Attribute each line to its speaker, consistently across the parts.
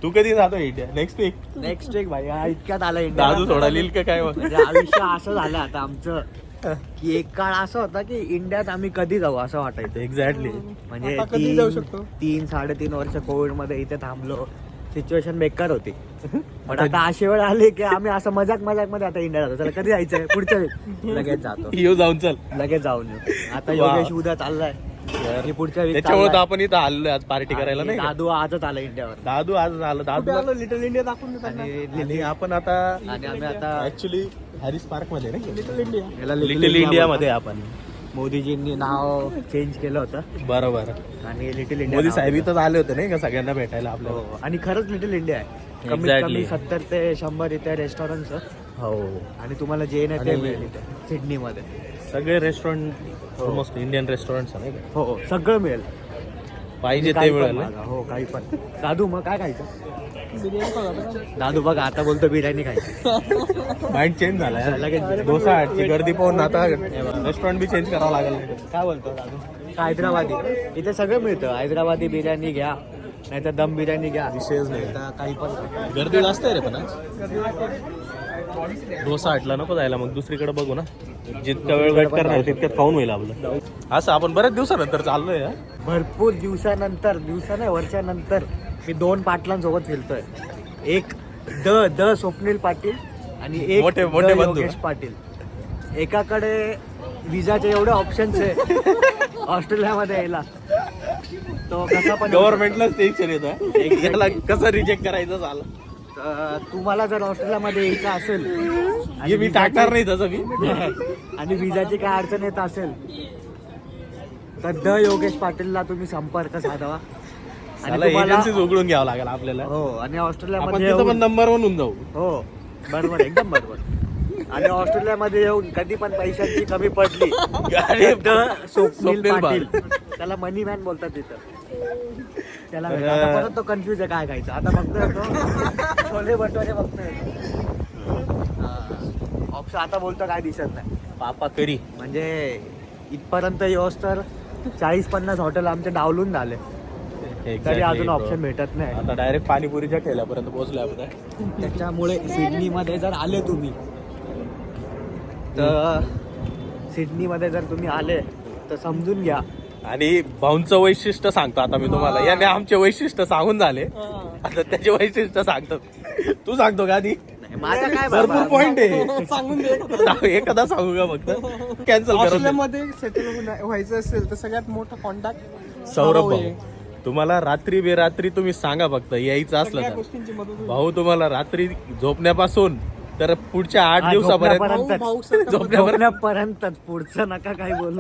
Speaker 1: तू कधी जातो India? Next weak
Speaker 2: भाई हा इतक्यात आला इंडिया.
Speaker 1: दादू सोडा लिहिल का काय?
Speaker 2: म्हणजे आयुष्य असं झालं आता आमचं की एक काळ असा होता की इंडियात आम्ही कधी जाऊ असं वाटायचं.
Speaker 1: एक्झॅक्टली.
Speaker 2: म्हणजे
Speaker 3: आता कधी जाऊ शकतो?
Speaker 2: 3-3.5 वर्ष कोविड मध्ये इथे थांबलो. सिच्युएशन बेकार होती. पण आता अशी वेळ आली की आम्ही असं मजाक मध्ये आता इंडिया जातो. चला कधी जायचंय? पुढच्या week. लगेच जातो.
Speaker 1: येऊ जाऊन चल.
Speaker 2: लगेच जाऊन येऊ. आता
Speaker 1: वा.
Speaker 2: योगेश उद्या चाललाय आणि पुढच्या week
Speaker 1: त्याच्यामुळे तर
Speaker 2: चाललाय.
Speaker 1: आपण इथं आलोय आज पार्टी करायला नाही का?
Speaker 2: दादू आजच आला इंडियावर.
Speaker 1: दादू आज आलं. दादू
Speaker 3: लिटल इंडिया दाखवून देतात ना.
Speaker 1: आणि आपण आता
Speaker 2: आणि आम्ही आता
Speaker 1: ऍक्च्युली हॅरिस पार्क मध्ये नाही
Speaker 3: लिटल इंडिया.
Speaker 2: याला
Speaker 1: लिटिल इंडिया मध्ये आपण.
Speaker 2: मोदीजींनी नाव चेंज केलं होतं
Speaker 1: बरोबर.
Speaker 2: आणि लिटिल इंडिया
Speaker 1: मोदी
Speaker 2: नाव
Speaker 1: साहेब
Speaker 2: दिलं.
Speaker 1: इथं आले होते नाही का सगळ्यांना भेटायला आपल्याला.
Speaker 2: हो. आणि खरंच लिटिल इंडिया आहे. कमीत
Speaker 1: Exactly.
Speaker 2: कमी 70 ते 100 इथे रेस्टॉरंट
Speaker 1: हो.
Speaker 2: आणि तुम्हाला जे नाही ते
Speaker 1: आणि-
Speaker 2: मिळेल इथे सिडनी मध्ये.
Speaker 1: सगळे रेस्टॉरंट ऑलमोस्ट इंडियन रेस्टॉरंट नाही का?
Speaker 2: हो सगळं मिळेल.
Speaker 1: पाहिजे
Speaker 2: काही
Speaker 1: ते
Speaker 2: पण
Speaker 1: मिळेल.
Speaker 2: मागा. हो काही पण. दादू मग काय खायचं?
Speaker 3: बिर्याणी खाऊ.
Speaker 2: दादू बघा आता बोलतो बिर्याणी खायची.
Speaker 1: माइंड चेंज झाला
Speaker 2: लगेच.
Speaker 1: डोसा हटची गर्दी पाहून आता रेस्टॉरंट बी चेंज करावं लागेल.
Speaker 2: काय बोलतो दादू? हैदराबादी इथे सगळं मिळतं. हैदराबादी बिर्याणी घ्या नाहीतर दम बिर्याणी घ्या.
Speaker 1: विषयच नाही.
Speaker 2: आता काही पण खा.
Speaker 1: गर्दी जास्त आहे रे पण आज. डोसा हटला नको जायला, मग दुसरीकडे बघू ना. जितका वेळ वेट करणार तितक्यात खाऊन होईल आपलं. असं आपण बऱ्याच दिवसानंतर चाललोय.
Speaker 2: भरपूर दिवसानंतर नाही वर्षानंतर मी 2 पाटलांसोबत फिरतोय. एक द स्वप्नील पाटील आणि एक
Speaker 1: मोठे
Speaker 2: द
Speaker 1: बंधू.
Speaker 2: योगेश पाटील. एकाकडे विजाचे एवढे ऑप्शन्स आहे ऑस्ट्रेलियामध्ये यायला. तो कसा पण
Speaker 1: गव्हर्नमेंटलाच टेन्शन येतं याला कसं रिजेक्ट करायचं झालं.
Speaker 2: तुम्हाला जर ऑस्ट्रेलियामध्ये यायचं असेल
Speaker 1: हे मी टाकणार नाही तसं मी.
Speaker 2: आणि विजाची काय अडचण येत असेल तर द योगेश पाटीलला तुम्ही संपर्क साधावा. आणि तुम्हाला
Speaker 1: एजन्सीज उघडून घ्यावं लागेल आपल्याला.
Speaker 2: हो आणि
Speaker 1: आपण
Speaker 2: ऑस्ट्रेलियामध्ये
Speaker 1: तिथं पण
Speaker 2: येऊन-
Speaker 1: नंबर 1 होऊन जाऊ.
Speaker 2: हो बरोबर एकदम बरोबर. आणि ऑस्ट्रेलियामध्ये येऊन कधी पण पैशांची कमी पडली
Speaker 1: अरे,
Speaker 2: द स्वप्नील
Speaker 1: स्वप्नील
Speaker 2: पाटील त्याला मनी मॅन बोलतात तिथं. त्याला भेटा. आता परत तो कन्फ्युज आहे काय खायचं. आता बघतोय तो छोले भटुरे बघतोय. ऑप्शन आता बोलतो काय दिसत नाही.
Speaker 1: पापा करी.
Speaker 2: म्हणजे इथपर्यंत येऊस तर 40-50 हॉटेल आमचे डावलून झाले तरी अजून ऑप्शन भेटत नाही.
Speaker 1: आता डायरेक्ट पाणीपुरीच्या ठेल्यापर्यंत पोहोचलोय आपण.
Speaker 2: त्याच्यामुळे सिडनीमध्ये जर आले तुम्ही तर सिडनीमध्ये जर तुम्ही आले तर समजून घ्या.
Speaker 1: आणि भाऊंचं वैशिष्ट्य सांगतो आता मी तुम्हाला. याने आमचे वैशिष्ट्य सांगून झाले, आता त्याचे वैशिष्ट्य सांगतो. तू सांगतो का आधी?
Speaker 2: माझा काय
Speaker 1: भरपूर
Speaker 2: बाबा?
Speaker 1: पॉइंट आहे.
Speaker 3: सांगून दे.
Speaker 1: एखादा सांगू का फक्त? कॅन्सल करू.
Speaker 3: ऑस्ट्रेलियामध्ये सेटल व्हायचं असेल तर सगळ्यात मोठा कॉन्टॅक्ट
Speaker 1: सौरभ भाऊ, तुम्हाला रात्री बेरात्री तुम्ही सांगा फक्त यायचं असलं
Speaker 3: सगळ्या
Speaker 1: तर.
Speaker 3: गोष्टींची मदत होईल.
Speaker 1: भाऊ तुम्हाला रात्री झोपण्यापासून तर पुढच्या 8 दिवसापर्यंत
Speaker 2: झोपण्यापर्यंत.
Speaker 3: भाऊ सारखा
Speaker 2: झोपण्यापर्यंतच पुढचं नका काय बोलू.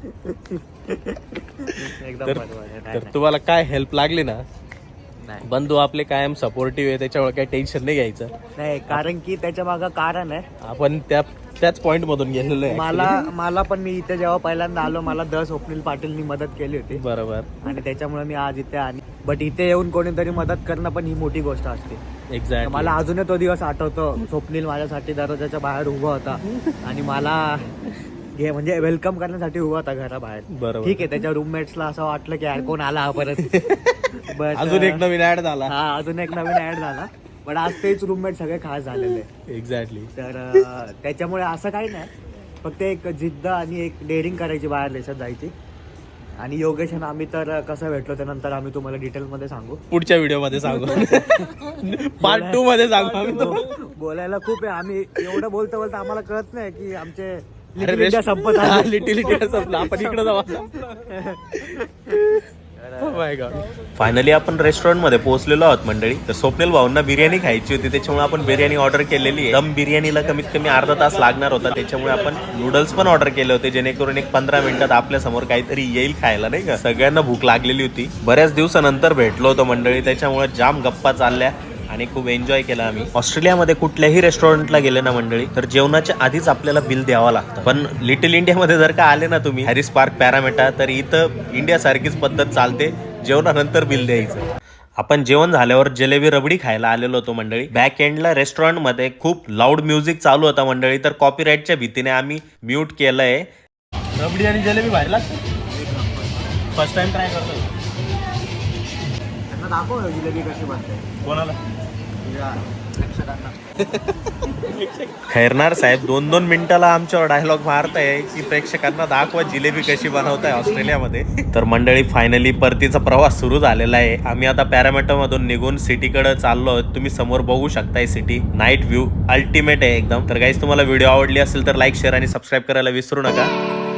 Speaker 2: एकदम
Speaker 1: तर
Speaker 2: बरोबर आहे.
Speaker 1: तर तुम्हाला काय हेल्प लागली ना,
Speaker 2: नाही
Speaker 1: बंधू आपले कायम सपोर्टिव्ह आहे, त्याच्यामुळे काही टेन्शन नाही घ्यायचं.
Speaker 2: नाही कारण की त्याच्या मागं कारण आहे.
Speaker 1: आपण त्याच पॉइंट मधून गेलेलो आहे.
Speaker 2: मला पण मी इथे जेव्हा पहिल्यांदा आलो मला द स्वप्नील पाटीलनी मदत केली होती
Speaker 1: बरोबर.
Speaker 2: आणि त्याच्यामुळे मी आज इथे आली. बट इथे येऊन कोणीतरी मदत करणं पण ही मोठी गोष्ट असते.
Speaker 1: एक्झॅक्ट.
Speaker 2: मला अजूनही तो दिवस आठवतो. स्वप्नील माझ्यासाठी दरवाजाच्या बाहेर उभा होता आणि मला म्हणजे वेलकम करण्यासाठी उभा होता घराबाहेर.
Speaker 1: बरोबर.
Speaker 2: ठीक आहे त्याच्या रूममेट्सला असं वाटलं की यार कोण आला हा परत. But,
Speaker 1: अजून एक नवीन ऍड झाला.
Speaker 2: हा अजून एक नवीन ऍड झाला. पण आज तेच रूममेट सगळे खास झालेले.
Speaker 1: एक्झॅक्टली.
Speaker 2: तर त्याच्यामुळे असं काही नाही. फक्त एक जिद्द आणि एक डेअरिंग करायची बाहेर देशात जायची. आणि योगेश आणि आम्ही तर कसं भेटलो त्यानंतर आम्ही तुम्हाला डिटेलमध्ये सांगू.
Speaker 1: पुढच्या व्हिडिओ मध्ये सांगू. पार्ट 2 मध्ये सांगू आम्ही तो.
Speaker 2: बोलायला खूप आहे. आम्ही एवढं बोलता बोलता आम्हाला कळत नाही की आमचे
Speaker 1: अरे
Speaker 2: Little India संपत आले.
Speaker 1: लिटिल इंडिया संपला. आपण इकडे जाऊ. फायनली आपण रेस्टॉरंट मध्ये पोहोचलेलो आहोत मंडळी. तर स्वप्नील भाऊंना बिर्याणी खायची होती, त्याच्यामुळे आपण बिर्याणी ऑर्डर केलेली आहे. दम बिर्याणीला कमीत कमी अर्धा तास लागणार होता, त्याच्यामुळे आपण नूडल्स पण ऑर्डर केले होते, जेणेकरून एक 15 मिनिटात आपल्या समोर काहीतरी येईल खायला, नाही का. सगळ्यांना भूक लागलेली होती. बऱ्याच दिवसानंतर भेटलो होतो मंडळी, त्याच्यामुळे जाम गप्पा चालल्या आणि खूप एन्जॉय केला आम्ही. ऑस्ट्रेलियामध्ये कुठल्याही रेस्टॉरंटला गेले ना मंडळी तर जेवणाच्या आधीच आपल्याला बिल द्यावं लागतं. पण लिटिल इंडियामध्ये जर का आले ना तुम्ही हॅरिस पार्क पॅरामेटा, तर इथं इंडिया सारखीच पद्धत चालते, जेवणानंतर बिल द्यायचं. आपण जेवण झाल्यावर जलेबी रबडी खायला आलेलो होतो मंडळी. बॅक एंडला रेस्टॉरंट मध्ये खूप लाऊड म्युझिक चालू होता मंडळी, तर कॉपीराईटच्या भीतीने आम्ही म्यूट केलंय. रबडी आणि जलेबी बाहेर लागते. फर्स्ट टाइम ट्राय करतो.
Speaker 2: प्रेक्षकांना दाखव जिलेबी कशी बनते
Speaker 1: कोणाला
Speaker 2: तुझ्या प्रेक्षकांना.
Speaker 1: खैरनार साहेब 2-2 मिनिटाला आमच्यावर डायलॉग मारताय की प्रेक्षकांना दाखवा जिलेबी कशी बनवताय ऑस्ट्रेलियामध्ये. तर मंडळी फायनली परतीचा प्रवास सुरू झालेला आहे. आम्ही आता पॅरामीटर मधून निघून सिटीकडे चाललो आहोत. तुम्ही समोर बघू शकताय सिटी. नाईट व्ह्यू अल्टिमेट आहे एकदम. तर गाईज तुम्हाला व्हिडिओ आवडली असेल तर लाईक शेअर आणि सबस्क्राईब करायला विसरू नका.